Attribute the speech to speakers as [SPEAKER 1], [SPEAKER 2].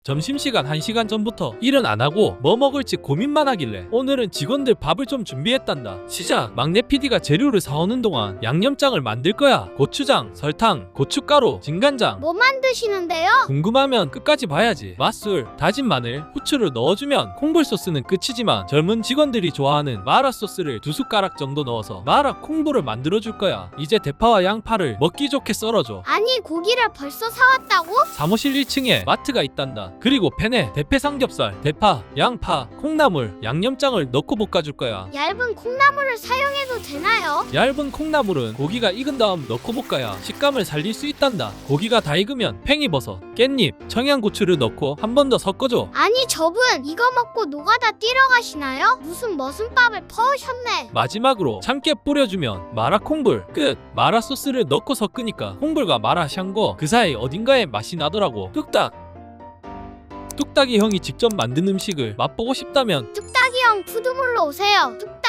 [SPEAKER 1] 점심시간 1시간 전부터 일은 안 하고 뭐 먹을지 고민만 하길래 오늘은 직원들 밥을 좀 준비했단다. 시작! 막내 PD가 재료를 사오는 동안 양념장을 만들 거야. 고추장, 설탕, 고춧가루, 진간장.
[SPEAKER 2] 뭐 만드시는데요?
[SPEAKER 1] 궁금하면 끝까지 봐야지. 맛술, 다진 마늘, 후추를 넣어주면 콩불 소스는 끝이지만 젊은 직원들이 좋아하는 마라 소스를 2숟가락 정도 넣어서 마라 콩불을 만들어줄 거야. 이제 대파와 양파를 먹기 좋게 썰어줘.
[SPEAKER 2] 아니 고기를 벌써 사왔다고?
[SPEAKER 1] 사무실 1층에 마트가 있단다. 그리고 팬에 대패 삼겹살, 대파, 양파, 콩나물, 양념장을 넣고 볶아줄 거야.
[SPEAKER 2] 얇은 콩나물을 사용해도 되나요?
[SPEAKER 1] 얇은 콩나물은 고기가 익은 다음 넣고 볶아야 식감을 살릴 수 있단다. 고기가 다 익으면 팽이버섯, 깻잎, 청양고추를 넣고 한 번 더 섞어줘.
[SPEAKER 2] 아니 저분 이거 먹고 노가다 뛰러 가시나요? 무슨 머슴밥을 퍼오셨네.
[SPEAKER 1] 마지막으로 참깨 뿌려주면 마라 콩불 끝. 마라 소스를 넣고 섞으니까 콩불과 마라 샹궈 그 사이 어딘가에 맛이 나더라고. 뚝딱이 형이 직접 만든 음식을 맛보고 싶다면
[SPEAKER 2] 뚝딱이 형 푸드몰로 오세요.